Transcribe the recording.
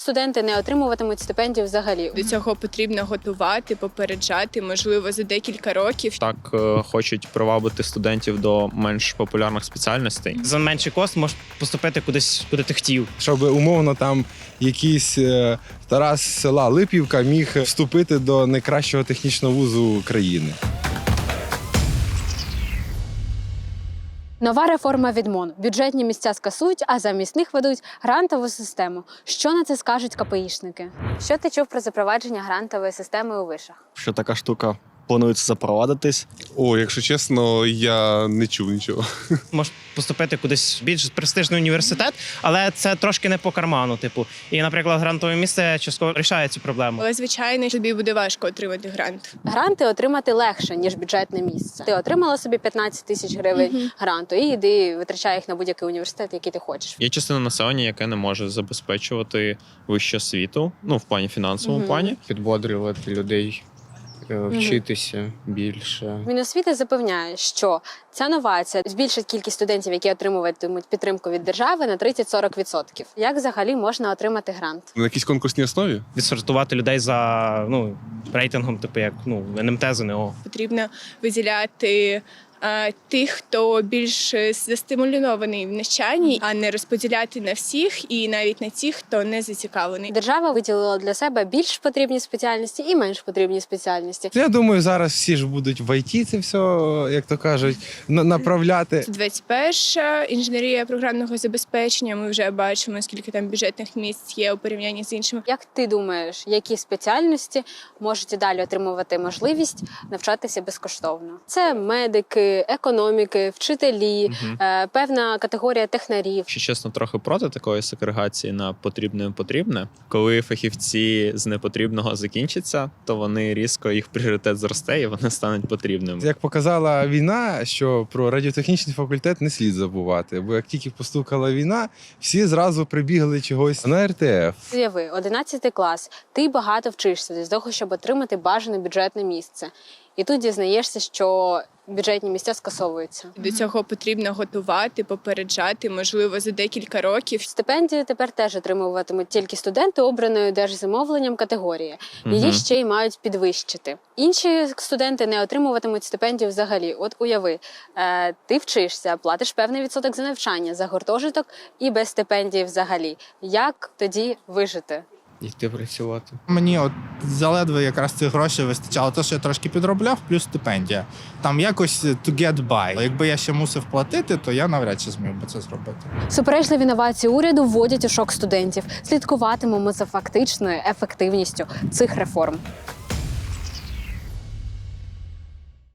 студенти не отримуватимуть стипендію взагалі. До цього потрібно готувати, попереджати, можливо, за декілька років. Так хочуть привабити студентів до менш популярних спеціальностей. За менший кост можеш поступити кудись, куди ти хотів. Щоб умовно там якийсь Тарас з села Липівка міг вступити до найкращого технічного вузу країни. Нова реформа від МОН. Бюджетні місця скасують, а замість них ведуть грантову систему. Що на це скажуть КПІшники? Що ти чув про запровадження грантової системи у вишах? Що така штука планується запровадитись. О, якщо чесно, я не чув нічого. Можеш поступити кудись в більш престижний університет, але це трошки не по карману. І, наприклад, грантове місце частково рішає цю проблему. Але, звичайно, тобі буде важко отримати грант. Гранти отримати легше, ніж бюджетне місце. Ти отримала собі 15 тисяч гривень гранту і йди витрачай їх на будь-який університет, який ти хочеш. Є частина населення, яке не може забезпечувати вищу освіту, в плані фінансовому плані. Підбодрювати людей, вчитися більше. Міносвіти запевняє, що ця новація збільшить кількість студентів, які отримуватимуть підтримку від держави, на 30-40%. Як взагалі можна отримати грант? На якійсь конкурсній основі? Відсортувати людей за рейтингом, як НМТ, ЗНО. Потрібно виділяти тих, хто більш застимульований в навчанні, а не розподіляти на всіх і навіть на тих, хто не зацікавлений. Держава виділила для себе більш потрібні спеціальності і менш потрібні спеціальності. Я думаю, зараз всі ж будуть в ІТ це все, як то кажуть, направляти. 21-ша інженерія програмного забезпечення. Ми вже бачимо, скільки там бюджетних місць є у порівнянні з іншими. Як ти думаєш, які спеціальності можуть і далі отримувати можливість навчатися безкоштовно? Це медики, економіки, вчителі, певна категорія технарів. Якщо чесно, трохи проти такої сегрегації на потрібне. Коли фахівці з непотрібного закінчаться, то вони різко, їх пріоритет зросте і вони стануть потрібними. Як показала війна, що про радіотехнічний факультет не слід забувати, бо як тільки постукала війна, всі зразу прибігли чогось на РТФ. Уяви, 11 клас, ти багато вчишся для того, щоб отримати бажане бюджетне місце. І тут дізнаєшся, що бюджетні місця скасовуються. До цього потрібно готувати, попереджати, можливо, за декілька років. Стипендію тепер теж отримуватимуть тільки студенти обраної держзамовленням категорії. Її ще й мають підвищити. Інші студенти не отримуватимуть стипендію взагалі. От уяви, ти вчишся, платиш певний відсоток за навчання, за гуртожиток і без стипендії взагалі. Як тоді вижити? Йти працювати. Мені заледве якраз цих грошей вистачало. Те, що я трошки підробляв, плюс стипендія. Там якось to get by. Якби я ще мусив платити, то я навряд чи зміг би це зробити. Суперечливі новації уряду вводять у шок студентів. Слідкуватимемо за фактичною ефективністю цих реформ.